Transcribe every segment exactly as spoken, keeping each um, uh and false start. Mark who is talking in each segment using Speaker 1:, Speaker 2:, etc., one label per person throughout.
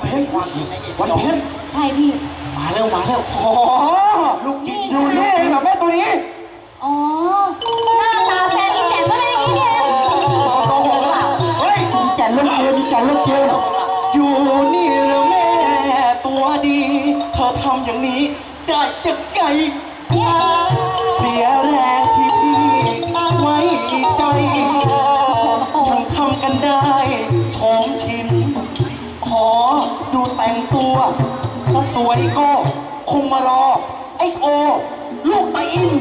Speaker 1: พ็ญวันเพ็ญ
Speaker 2: ใช่พี่
Speaker 1: มาแล้วมาแล้ว
Speaker 3: อ๋อลูกกินอยู่นี่เองเหรอแม่ตัวนี้
Speaker 2: อ๋อหน้าตาแฟนอีแจ๋มก็เป็นอย่างนี้เนี่ย
Speaker 3: เฮ้ยมีแก่นเล่นเกมมีแก่นเล่นเกมอยู่นี่เหรอแม่ตัวดีเธอทำอย่างนี้ได้จะไงเสียแรงที่พี่ไว้ใจฉันทำกันได้ชมชินขอดูแต่งตัวถ้าสวยก็คงมารอไอ้โอลูกตาอิน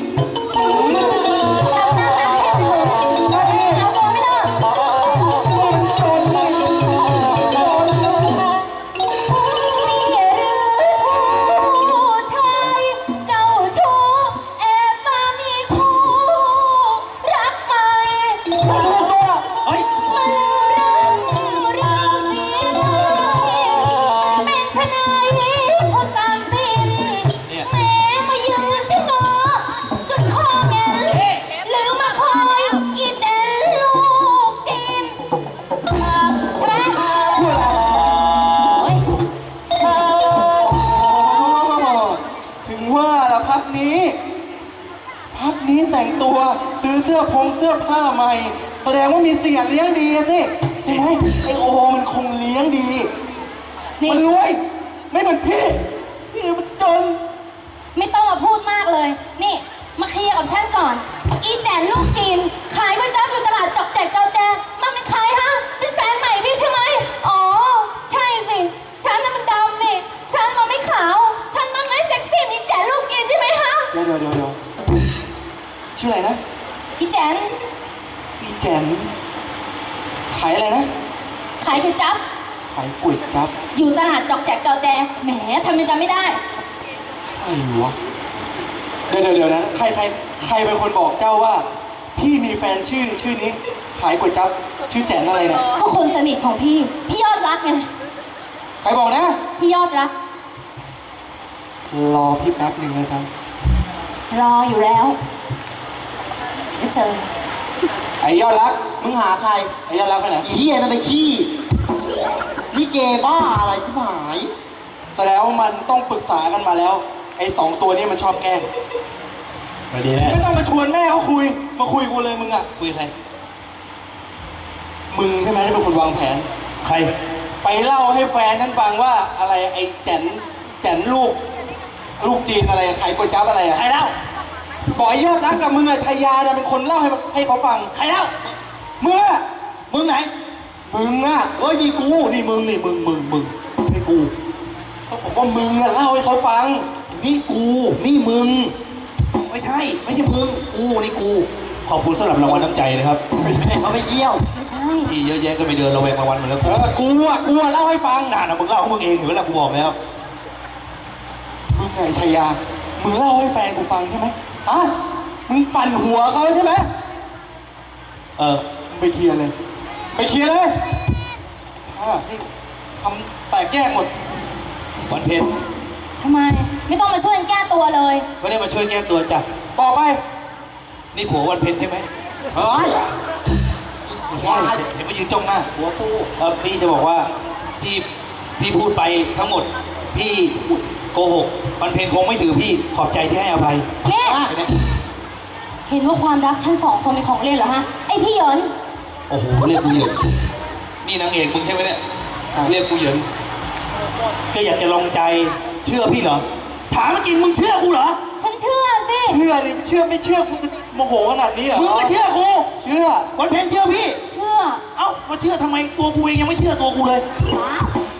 Speaker 3: แต่งตัวซื้อเสื้อพงเสื้อผ้าใหม่แสดงว่ามีเสียเลี้ยงดีสิใช่ไหมไอโอมันคงเลี้ยงดีมันรวยไม่เหมือนพี่พี่มันจน
Speaker 2: ไม่ต้องมาพูดมากเลยนี่มาเคลียร์กับฉันก่อนอีแจนลูกจีนขายก๋วยจั๊บอยู่ตลาดจอกแจกเกาแจมันเป็นใครฮะเป็นแฟนใหม่พี่ใช่ไหมอ๋อใช่สิฉันน่ะมันดำนี่ฉันมันไม่ขาวฉันมันไม่เซ็กซี่อีแจนลูกจีนใช่ไหมฮะ
Speaker 3: เดี๋ยวเดี๋ยวเดี๋ยวชื่ออะไรนะ
Speaker 2: อีแจน
Speaker 3: อีแจนขายอะไรนะ
Speaker 2: ขายก๋วยจั๊บ
Speaker 3: ขายก๋วยจั๊บ
Speaker 2: อยู่ตลาดจอกแจกเกาแจแหมทำยังจำไม่ได้
Speaker 3: ไอ้หัวเดี๋ยวเดี๋ยวเดี๋ยวนะใครใครใครเป็นคนบอกเจ้าว่าพี่มีแฟนชื่อชื่อนี้ขายก๋วยจั๊บชื่อแจนอะไรนะ
Speaker 2: ก็คนสนิทของพี่พี่ยอดรักไง
Speaker 3: ใครบอกนะ
Speaker 2: พี่ยอดรัก
Speaker 3: รอพี่แป๊บหนึ่งเลยครับ
Speaker 2: รออยู่แล้วจะเจอ
Speaker 3: ไอ้ยอดรักมึงหาใครไอ้ยอดรักไปไหน
Speaker 1: อีเหี้ยนั่นไปขี้นี่เกบ้าอะไรที่หาย
Speaker 3: แสดงว่ามันต้องปรึกษากันมาแล้วไอ้สองตัวนี้มันชอบแกล้งมาดีแม่ไม่ต้องมาชวนแม่เขาคุยมาคุยกูเลยมึงอะ
Speaker 1: คุยใคร
Speaker 3: มึงใช่ไหมที่เป็นคนวางแผน
Speaker 1: ใคร
Speaker 3: ไปเล่าให้แฟนฉันฟังว่าอะไรไอ้แจนแจนลูกลูกจีนอะไรขายก๋วยจั๊บอะไรอะ
Speaker 1: ใครเล่า
Speaker 3: บอกยอดรักกับมึงอะชัยยาเนี่ยเป็นคนเล่าให้ให้เขาฟัง
Speaker 1: ใครเล่า
Speaker 3: มึงอะ
Speaker 1: มึงไหน
Speaker 3: มึงอะ
Speaker 1: เอ้ยนี่กูนี่มึงนี่มึงมึงมึงนี่กู
Speaker 3: เขาบอกว่ามึงอะเล่าให้เขาฟัง
Speaker 1: นี่กูนี่มึงไม่ใช่ไม่ใช่มึงกูนี่กูขอบคุณสำหรับรางวัลน้ำใจนะครับเขาไม่เยี่ยวที่เยอะแยะก็ไปเดินระแวงรางวัลเหมือนแล้ว
Speaker 3: กูอะกูอะเล่าให้ฟัง
Speaker 1: น่านะมึงเล่าของมึงเองเห็นไหมล่ะกูบอกแล้ว
Speaker 3: มึงไงชัยยามึงเล่าให้แฟนกูฟังใช่ไหมอ่ะมึงปั่นหัวเขาใช่ไหม
Speaker 1: เออ
Speaker 3: ไปเคลียร์เลยไปเคลียร์เลยอ่านี่ทำแตกแยกหมด
Speaker 1: วันเพ็ญ
Speaker 2: ทำไมไม่ต้องมาช่วยแก้ตัวเลย
Speaker 1: ไม่ได้มาช่วยแก้ตัวจ้ะ
Speaker 3: บอกไป
Speaker 1: นี่ผัววันเพ็ญใช่ไหมเฮ้ยไม่ใช่เห็นมายืนจ้องหน้าผัวกูเออพี่จะบอกว่าที่พี่พูดไปทั้งหมดพี่โกหกวันเพ็ญคงไม่ถือพี่ขอบใจที่ให้อภัย
Speaker 2: เนี่ยเห็นว่าความรักชั้นสองคนเป็นของเล่นเหรอฮะไอพี่เหยิน
Speaker 1: โอ้โหเรียกกูเหยินนี่นางเอกมึงใช่ไหมเนี่ยเรียกกูเหยินก็อยากจะลองใจเชื่อพี่เหรอถามจริงมึงเชื่อกูเหรอ
Speaker 2: ฉันเชื่อสิ
Speaker 3: เชื่อดิเชื่อไม่เชื่อกูจะโมโหขนาดนี้เหรอ
Speaker 1: มึงก็เชื่อกู
Speaker 3: เชื่อ
Speaker 1: วันเพ็ญเชื่อพี่
Speaker 2: เชื่อ
Speaker 1: เอ้ามาเชื่อทำไมตัวกูเองยังไม่เชื่อตัวกูเลย